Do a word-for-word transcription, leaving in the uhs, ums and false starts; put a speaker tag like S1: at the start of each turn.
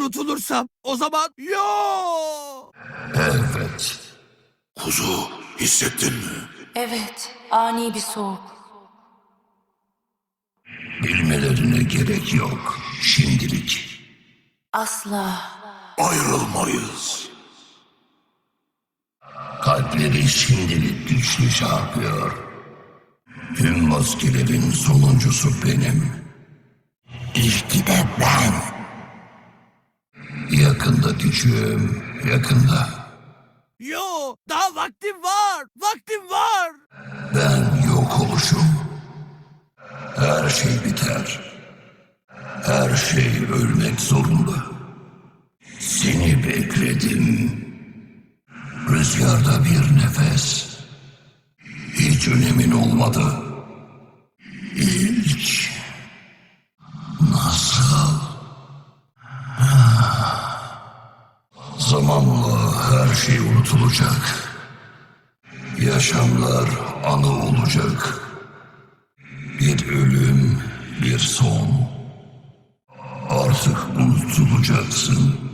S1: unutulursam o zaman yo.
S2: Evet. Kuzu, hissettin mi?
S3: Evet, ani bir soğuk.
S2: Bilmelerine gerek yok. Şimdilik.
S3: Asla.
S2: Ayrılmayız. Kalpleri şimdilik güçlü çarpıyor. Tüm maskelerin sonuncusu benim. İlki de ben. Yakında küçüğüm, yakında.
S1: Yo, daha vaktim var. Vaktim var.
S2: Ben yok oluşum. Her şey biter. Her şey ölmek zorunda. Seni bekledim. Rüzgarda bir nefes. Hiç önemin olmadı. İlk. Nasıl? Zamanla her şey unutulacak. Yaşamlar anı olacak. Bir ölüm, bir son. Artık unutulacaksın.